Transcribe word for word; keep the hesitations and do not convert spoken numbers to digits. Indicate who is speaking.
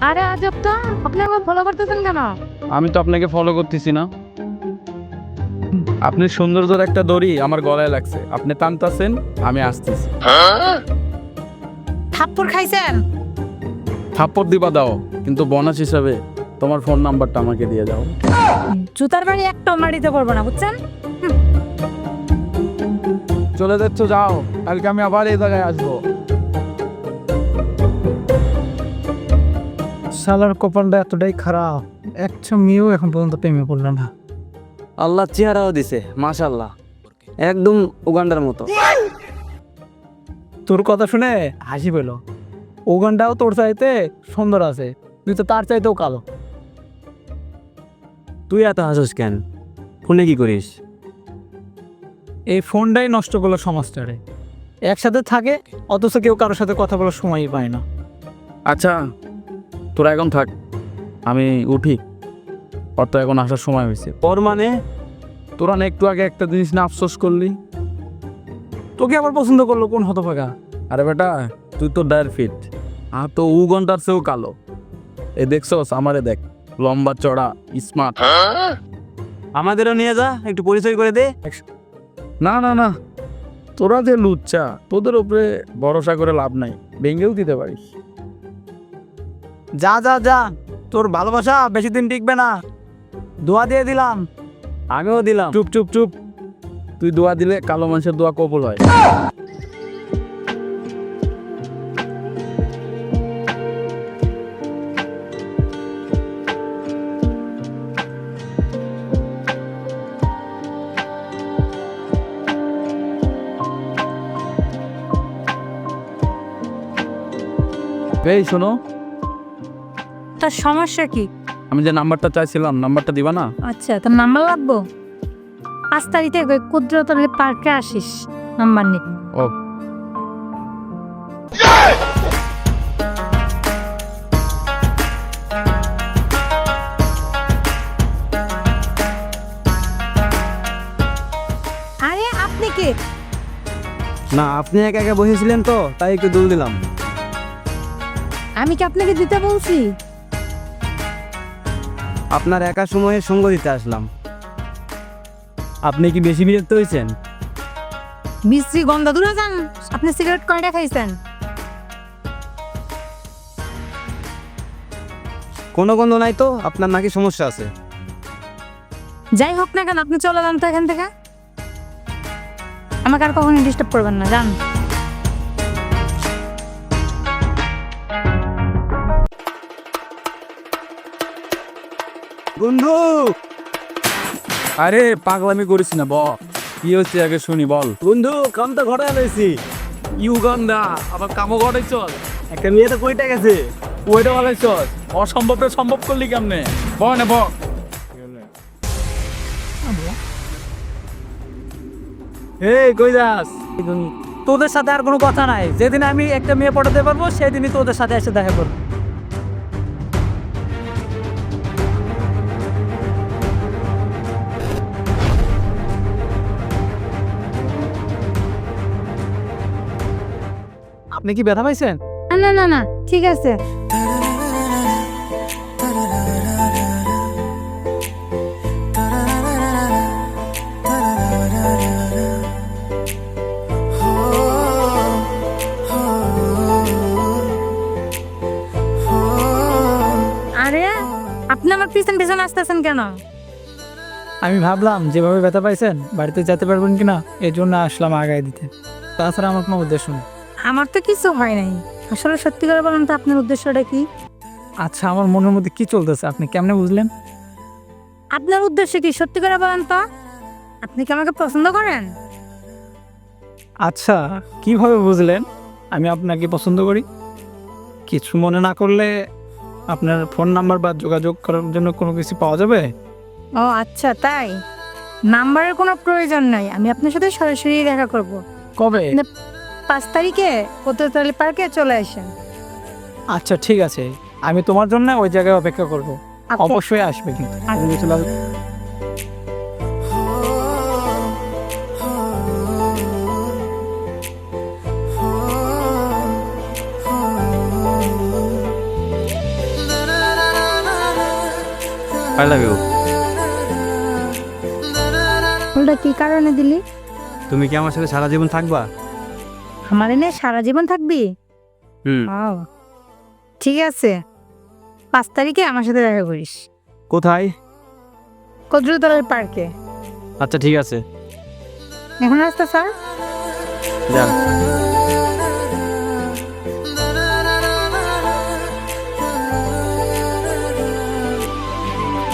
Speaker 1: আরে আজব তো, আপনি আমাকে ফলো করতেছেন কেন?
Speaker 2: আমি তো আপনাকে ফলো করতেছি না। আপনি সৌন্দর্যের একটা দড়ি আমার গলায় লাগছে, আপনি টানতাছেন, আমি আসতেছি।
Speaker 1: থাপ্পড় খাইছেন?
Speaker 2: থাপ্পড় দিবা দাও, কিন্তু বোনাস হিসাবে তোমার ফোন নাম্বারটা আমাকে দিয়ে দাও।
Speaker 1: জুতার বাড়ি একটা মারিতে পারবো না, বুঝছেন?
Speaker 2: চলে যাচ্ছ, যাও, কালকে আমি আবার এই জায়গায় আসবো।
Speaker 3: শালার কপালটা এতটাই খারাপ, একটা মেয়েও এখন পর্যন্ত প্রেমে পড়লো না।
Speaker 4: আল্লাহ চেহারাও দিছে মাশাল্লাহ, একদম উগান্ডার মতো।
Speaker 3: তোর কথা শুনে হাসি পেল। ওখানটাও তোর চাইতে সুন্দর আছে, তুই তো তার চাইতেও কালো।
Speaker 4: তুই এত হাসিস কেন? ফোনে কি করিস?
Speaker 3: এই ফোনটাই নষ্ট করলো সমাজটারে। একসাথে থাকে অথচ কেউ কারোর সাথে কথা বলার সময়ই পায় না।
Speaker 2: আচ্ছা, তোরা এখন থাক, আমি উঠি, ওর তো এখন আসার সময় হয়েছে।
Speaker 4: ওর মানে?
Speaker 2: তোরা না একটু আগে একটা জিনিস না আফসোস করলি?
Speaker 3: তোকে আবার পছন্দ করলো কোন হতভাগা?
Speaker 2: আরে বেটা, তুই তো ডায়ার ফিট, আর তো উ ঘন্টার চেয়েও কালো। এ দেখছস, আমারে দেখ, লম্বা চড়া, স্মার্ট।
Speaker 4: আমাদেরও নিয়ে যা, একটু পরিচয় করে দে।
Speaker 2: না না না, তোরা যে লুচ্চা, তোদের উপরে ভরসা করে লাভ নাই, ভেঙেও দিতে পারিস।
Speaker 3: যা যা যা, তোর ভালোবাসা বেশি দিন টিকবে না, দোয়া দিয়ে দিলাম।
Speaker 4: আমিও দিলাম।
Speaker 2: চুপ চুপ চুপ, তুই দোয়া দিলে কালো মানুষের দোয়া কবুল হয়। এই শোনো,
Speaker 1: তার সমস্যা কি?
Speaker 2: আমি যে নাম্বারটা চাইছিলাম, নাম্বারটা দিবা না?
Speaker 1: আচ্ছা, তোর নাম্বার লাগবো? পাঁচ তারিখে কুদ্রতলি পার্কে আসিস, নাম্বার নে।
Speaker 2: ও,
Speaker 1: আরে আপনি কে?
Speaker 4: না, আপনি একা একা বসেছিলেন তো, তাই একটু দুল দিলাম।
Speaker 1: আমি কি আপনাকে দিতে বলছি?
Speaker 4: আপনার একা সময়ে সঙ্গ দিতে আসলাম। আপনি কি বেশি বিরক্ত হয়েছেন?
Speaker 1: মিস্ত্রি গন্ধ দূরে যান। আপনি সিগারেট কয়টা খাইছেন?
Speaker 4: কোনো গন্ধ নাই তো, আপনার নাকি সমস্যা আছে?
Speaker 1: যাই হোক না কেন, আপনি চলে যান তো এখান থেকে। আমাকে আর কখনো ডিস্টার্ব করবেন না, যান।
Speaker 4: বন্ধু,
Speaker 2: আরে পাগলামি করিস না, বল কি হচ্ছে আগে শুনি, বল।
Speaker 4: বন্ধু, কাম তো ঘরে আনাইছি।
Speaker 2: ইউগান্ডা আবার কামো ঘটাই চল,
Speaker 4: একটা মেয়ে তো কইটা গেছে।
Speaker 2: ওইটা বলাই চল, অসম্ভবটা সম্ভব করলি কেমনে? ব না ব।
Speaker 3: এই কই যাস? তোদের সাথে আর কোনো কথা নাই। যেদিন আমি একটা মেয়ে পটাতে পারবো সেদিনই তোদের সাথে এসে দেখা করবো। আপনি কি ব্যথা পাইছেন?
Speaker 1: না না না, ঠিক আছে। আরে আপনি আমার পিছন পিছন আসতেছেন কেন?
Speaker 3: আমি ভাবলাম যেভাবে ব্যথা পাইছেন বাড়িতে যেতে পারবেন কিনা, এই জন্য আসলাম আগায় দিতে। তাছাড়া আমার কোনো উদ্দেশ্য নেই।
Speaker 1: আমার তো কিছু হয় নাই। আসলে সত্যি করে বলেন তো, আপনার উদ্দেশ্যটা কি?
Speaker 3: আচ্ছা, আমার মনের মধ্যে কি চলতেছে আপনি কেমনে বুঝলেন?
Speaker 1: আপনার উদ্দেশ্য কি সত্যি করে বলেন তো? আপনি কি আমাকে পছন্দ করেন?
Speaker 3: আচ্ছা, কিভাবে বুঝলেন আমি আপনাকে পছন্দ করি? কিছু মনে না করলে আপনার ফোন নাম্বার বা যোগাযোগ করার জন্য কোনো কিছু পাওয়া যাবে?
Speaker 1: ও আচ্ছা, তাই? নাম্বারের কোনো প্রয়োজন নাই, আমি আপনার সাথে সরাসরি দেখা করব।
Speaker 3: কবে?
Speaker 1: পাঁচ তারিখে কুদ্রতলি পার্কে চলে আসেন।
Speaker 3: আচ্ছা ঠিক আছে, আমি তোমার জন্য ওই জায়গায় অপেক্ষা করব।
Speaker 1: আচ্ছা।
Speaker 3: অবশ্যই আসবে কিন্তু।
Speaker 1: আচ্ছা।
Speaker 4: I love you.
Speaker 1: ফুলটা কি কারণে দিলি?
Speaker 4: তুমি কি আমার সাথে সারা জীবন থাকবা?
Speaker 1: আমার এনে সারা জীবন থাকবি?
Speaker 4: হুম।
Speaker 1: ও ঠিক আছে, পাঁচ তারিখে আমার সাথে দেখা করিস
Speaker 4: কোথায়?
Speaker 1: কদ্রতলার পার্কে।
Speaker 4: আচ্ছা ঠিক আছে,
Speaker 1: এখন রাস্তা স্যার
Speaker 4: যান।